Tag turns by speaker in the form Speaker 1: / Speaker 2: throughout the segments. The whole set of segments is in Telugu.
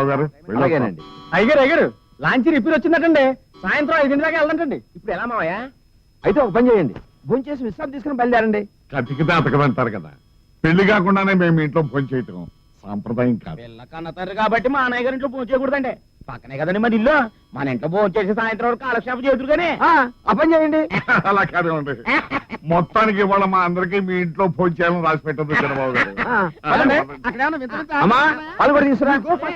Speaker 1: బావగారు.
Speaker 2: అలాగేనండి. అయ్యారు లాంచీ రిపేర్ వచ్చిందటండి. సాయంత్రం 5 దాకా వెళ్దంటండి. ఇప్పుడు ఎలా మావయ్య? అయితే ఒక పని చేయండి, భోజనం చేసి విశ్రాంతి తీసుకుని బయలుదేరండి.
Speaker 1: కతికితే అతకదంటారు కదా, పెళ్లి కాకుండానే మేము ఇంట్లో ఫోన్ చేయటం సాంప్రదాయం కాదు.
Speaker 2: పిల్లకన్న తండ్రి కాబట్టి మా అన్నయ్య గారి ఇంట్లో భోజనం చేయకూడదండి. పక్కనే కదండి మన ఇల్లు. మన ఇంట్లో భోజనం చేసి సాయంత్రం వరకు కాలక్షేపం చేతురు కానీ ఆ పని చేయండి.
Speaker 1: అలా కాదేమండి, మొత్తానికి ఇవాళ మా అందరికి మీ ఇంట్లో ఫోన్ చేయాలని రాసి పెట్టదు చంద్రబాబు గారు.
Speaker 2: అమ్మా వాళ్ళు కూడా తీసుకురా.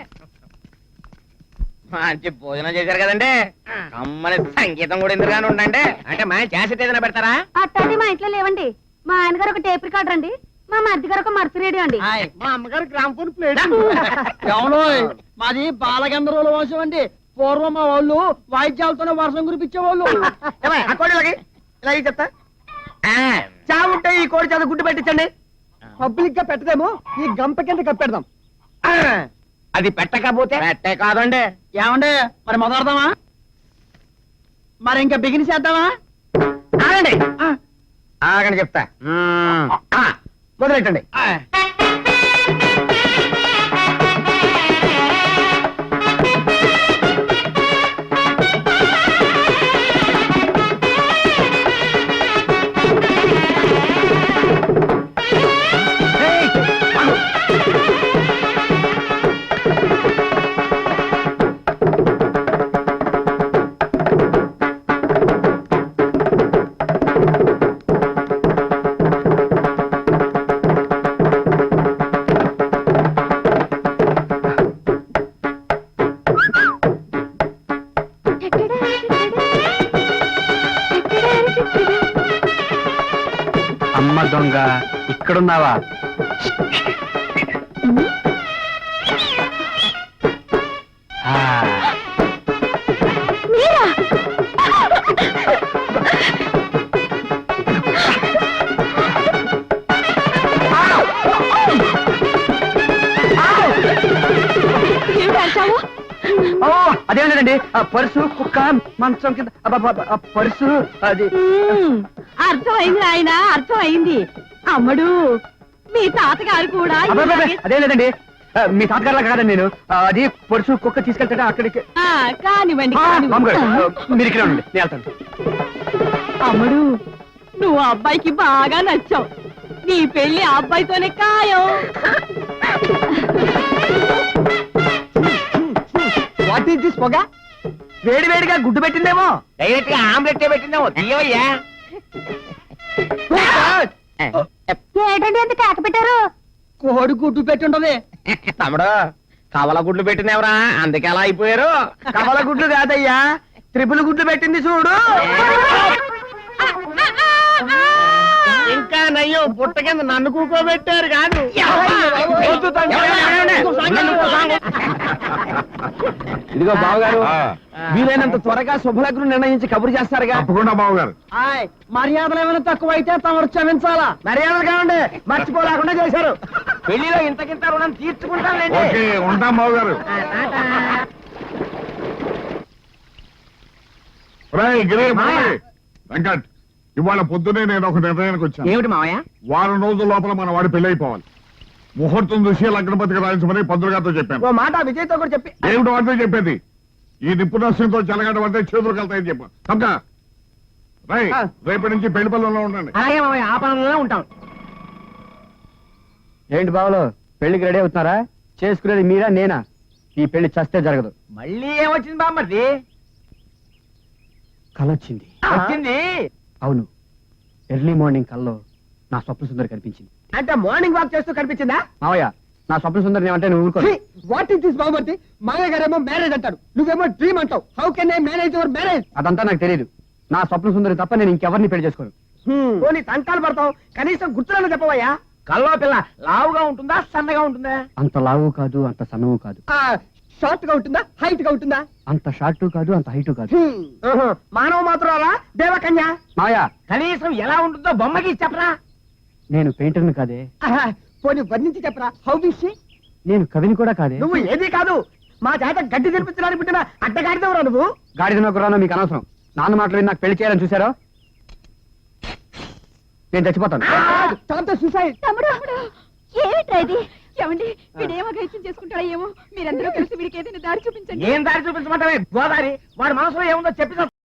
Speaker 3: మంచి భోజనం చేశారు కదండి. అమ్మని సంగీతం కూడా ఎందుకుగానే ఉండండి. అంటే మా క్యాసెట్ ఏదైనా పెడతారా?
Speaker 4: అట్టండి మా ఇంట్లో లేవండి. మా ఆయన గారు ఒక టేప్ రికార్డర్ అండి, మా మధ్య గారు ఒక మర్చి రేడియో అండి.
Speaker 2: మా అమ్మగారు గ్రామ్ఫోన్ ప్లేట్. అవును, మాది బాలగంధర్వుల వంశం అండి. పూర్వం మా వాళ్ళు వాయిద్యాలతోనే వర్షం కురిపించేవాళ్ళు.
Speaker 3: ఇలా చెప్తా
Speaker 2: చావుంటే ఈ కోడి చేత గుడ్డు పెట్టించండి. పబ్లిక్ గా పెట్టదేమో, ఈ గంప కింద కప్పెడదాం.
Speaker 3: అది పెట్టకపోతే పెట్టే కాదండి.
Speaker 2: ఏమండి మరి మొదలెడదామా? మరి ఇంకా బిగిన్ చేద్దామా?
Speaker 3: ఆగండి ఆగండి చెప్తా. మొదలెట్టండి.
Speaker 2: అమ్మ దొంగ, ఇక్కడున్నావా? అదేం లేదండి, పర్సు కుక్క మంచం కింద పర్సు అది.
Speaker 4: అర్థమైంది ఆయన, అర్థమైంది. అమ్మడు మీ తాతగారు కూడా
Speaker 2: అదేం లేదండి, మీ తాతగారులా కాదండి నేను. అది పర్సు కుక్క తీసుకెళ్తాడా అక్కడికి.
Speaker 4: కానివ్వండి.
Speaker 2: మీరు ఇక్కడ ఉండండి, నేను వెళ్తాను.
Speaker 4: అమ్మడు నువ్వు అబ్బాయికి బాగా నచ్చావు. నీ పెళ్లి అబ్బాయితోనే ఖాయం.
Speaker 2: వాట్ ఈస్ దిస్ పొగ? వేడి వేడిగా గుడ్డు పెట్టిందేమో.
Speaker 3: డైరెక్ట్ గా ఆమ్లెట్ పెట్టిందేమో. తీయవయ్యా.
Speaker 4: ఏంటండి ఎంత కేక పెట్టారు?
Speaker 2: కోడి గుడ్డు పెట్టుంటది.
Speaker 3: తమ్ముడు కవల గుడ్లు పెట్టినవరా, అందుకే అలా అయిపోయారు.
Speaker 2: కవల గుడ్లు కాదయ్యా, త్రిపుల్ గుడ్లు పెట్టింది చూడు.
Speaker 3: ఇంకా నయ్యో పుట్ట కింద నన్ను కూకోబెట్టారు కాదు.
Speaker 2: ఇదిగో బావగారు, వీలైనంత త్వరగా శుభలగ్నం నిర్ణయించి కబురు చేస్తారుగా.
Speaker 1: తప్పకుండా బావగారు.
Speaker 2: మర్యాదలు ఏమైనా తక్కువైతే తమరు క్షమించాలా. మర్యాదలు కావండి, మర్చిపోలేకుండా చేశారు.
Speaker 3: పెళ్లిలో ఇంతకింత రుణం తీర్చుకుంటానండి.
Speaker 1: ఓకే, ఉంటాం బావగారు. వెంకట్, ఇవాళ పొద్దునే నేను ఒక నిర్ణయానికి వచ్చాను.
Speaker 3: ఏమిటి మావయ్య?
Speaker 1: వారం రోజుల లోపల మన వాడి పెళ్లి అయిపోవాలి. ముహూర్తం చూసి లగ్నపతికి రాయించమని పంతులు గారితో చెప్పాను.
Speaker 2: ఓ మాట విజయ్తో కూడా చెప్పి.
Speaker 1: ఏమిటో అంటే చెప్పేది, ఈ నిపుణస్యంతో చెలగడం అంటే చేతులు కలుతాయని చెప్పాను. తప్పక రేపటి నుంచి పెళ్లి పనుల్లో ఉండండి.
Speaker 3: అలాగే మావయ్య, ఆ పనుల్లో ఉంటాం.
Speaker 2: ఏంటి బావలు, పెళ్లికి రెడీ అవుతున్నారా? చేసుకునేది మీరా నేనా? ఈ పెళ్లి చస్తే జరగదు.
Speaker 3: మళ్ళీ ఏమొచ్చింది బామ్మర్ది?
Speaker 2: కలొచ్చింది.
Speaker 3: వచ్చింది.
Speaker 2: అవును, ఎర్లీ మార్నింగ్ కల్లో నా స్వప్న సుందరి కనిపించింది.
Speaker 3: అంటే మార్నింగ్ వాక్ చేస్తూ కనిపించిందా?
Speaker 2: మావయ్య, నా స్వప్న సుందరిని ఏమంటే నువ్వు ఊరుకో.
Speaker 3: వాట్ ఇస్ దిస్ బామ్మర్ది? మావయ్య గారేమో మ్యారేజ్ అంటాడు, నువ్వేమో డ్రీమ్ అంటావు. How can I manage your marriage?
Speaker 2: అదంతా నాకు తెలియదు. నా స్వప్న సుందరి తప్ప నేను ఇంకెవరిని పెళ్లి చేసుకోను.
Speaker 3: పోనీ తంటాలు పడతావు, కనీసం గుర్తులను చెప్పవయ్యా. కల్లో పిల్ల లావుగా ఉంటుందా, సన్నగా ఉంటుందా?
Speaker 2: అంత లావు కాదు, అంత సన్నము కాదు.
Speaker 3: షార్ట్ గా ఉంటుందా, హైట్ గా ఉంటుందా?
Speaker 2: అంత షార్ట్ కాదు, అంత హైట్ కాదు.
Speaker 3: మానవ మాత్రాలా, దేవకన్య?
Speaker 2: మావయ్య,
Speaker 3: కనీసం ఎలా ఉంటుందో బొమ్మకి చెప్పరా.
Speaker 2: నేను పెయింటర్ని కాదే.
Speaker 3: పోనీ వర్ణించి చెప్పరా. How is she?
Speaker 2: నేను కవిని కూడా కాదే.
Speaker 3: నువ్వు ఏది కాదు, మా చేత గడ్డి తెరిపించడానికి పుట్టిన అడ్డగాడిదవరా నువ్వు.
Speaker 2: గాడిదనో గుర్రానో మీకు అనవసరం. నాన్న మాటలు విని నాకు పెళ్లి చేయాలని చూసారో నేను చచ్చిపోతాను.
Speaker 4: తమ్ముడు ఏమిట్రా ఇది?
Speaker 5: ఏమండి వీడేమో గైత్యం చేసుకుంటాడో ఏమో మీరందరూ కలిసి వీడికి ఏదైనా దారి చూపించండి
Speaker 2: ఏం దారి చూపించమంటావే గోదారి వాడి మనసులో ఏముందో చెప్పి